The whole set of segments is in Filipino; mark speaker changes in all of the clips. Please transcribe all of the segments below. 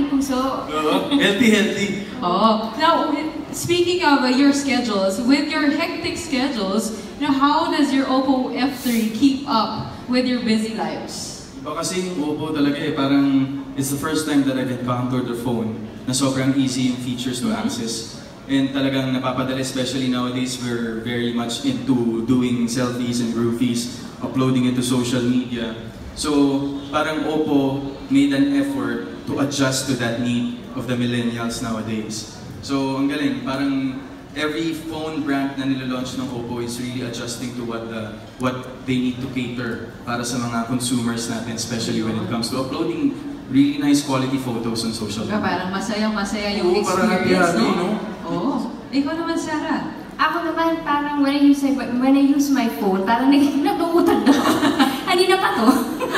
Speaker 1: aking puso.
Speaker 2: Healthy.
Speaker 3: Oh, now speaking of your schedules, with your hectic schedules, how does your Oppo F3 keep up with your busy lives?
Speaker 2: Iba kasi yung Oppo talaga parang it's the first time that I've encountered a phone na sobrang easy yung features to access. And talagang napapadali, especially nowadays, we're very much into doing selfies and groupies, uploading it to social media. So, parang Oppo made an effort to adjust to that need of the millennials nowadays. So, ang galing, parang every phone brand na nilalaunch ng Oppo is really adjusting to what they need to cater para sa mga consumers natin, especially when it comes to uploading really nice quality photos on social media.
Speaker 3: Parang masayang-masaya yung
Speaker 2: experience,
Speaker 3: no? Oo. Ikaw naman, Sarah.
Speaker 1: Ako naman, parang when I use my phone, parang nag-uutad na. Kanina pa to.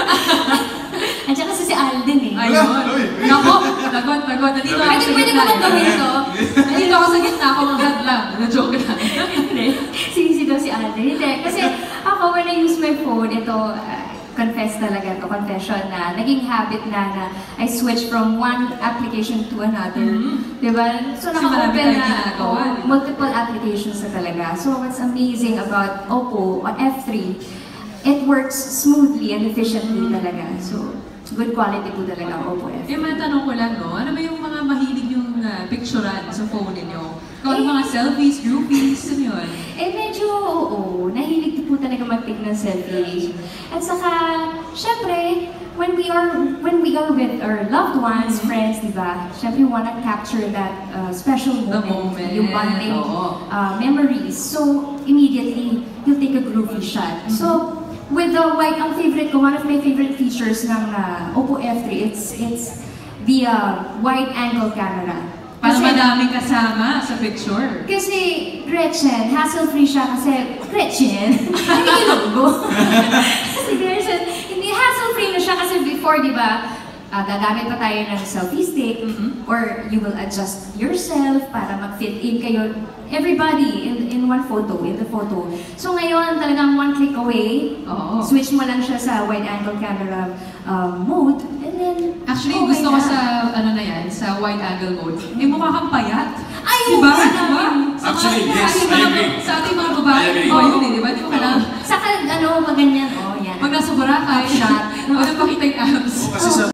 Speaker 1: Andiyan kasi si Alden eh.
Speaker 3: Ayun. Nako, lagot. Nandito ako sa
Speaker 1: Pwede
Speaker 3: gitna.
Speaker 1: ko bang gawin to?
Speaker 3: Nandito ako sa gitna, ako mag-had lang. Na-joke lang.
Speaker 1: Hindi. Sisi daw si Alden. Hindi. Kasi ako, when I use my phone, ito, confess talaga to, confession na naging habit na I switch from one application to another. Diba? So naka-open na multiple applications na talaga. So what's amazing about Oppo F3, it works smoothly and efficiently talaga. So good quality po talaga ang Oppo F3.
Speaker 3: Matanong ko lang, no? Ano ba yung mga mahilig yung picturean sa phone ninyo? Kung mga selfies, groupies, ano yun?
Speaker 1: Medyo, oo. Nahilig po talaga mag-take ng selfie. At saka, syempre, when we are with our loved ones, friends, diba? Syempre, we wanna capture that special moment, yung bonding memories. So, immediately, you'll take a groovy shot. So, with the ang favorite ko, one of my favorite features ng Oppo F3, it's the wide angle camera.
Speaker 3: Para madaming kasama sa picture.
Speaker 1: Kasi Gretchen, hassle-free siya kasi Gretchen, hindi yung logo. Kasi Gretchen, hindi hassle-free na siya kasi before, di ba, gagamit pa tayo ng selfie stick or you will adjust yourself para mag-fit in kayo, everybody in one photo, in the photo. So ngayon, talagang one click away, switch mo lang siya sa wide-angle camera mode, and then
Speaker 3: actually, gusto ko sa, sa wide-angle mode, mukha kang payat.
Speaker 1: Ay,
Speaker 3: diba?
Speaker 2: Actually, yes, I agree.
Speaker 3: Sa ating mga babae, yun eh, di ba? Di mo kailangan.
Speaker 1: Saka, maganyan, yan.
Speaker 3: Pag nasa Boracay,
Speaker 1: shot.
Speaker 3: Huwag na pakita yung abs.
Speaker 2: Kasi sa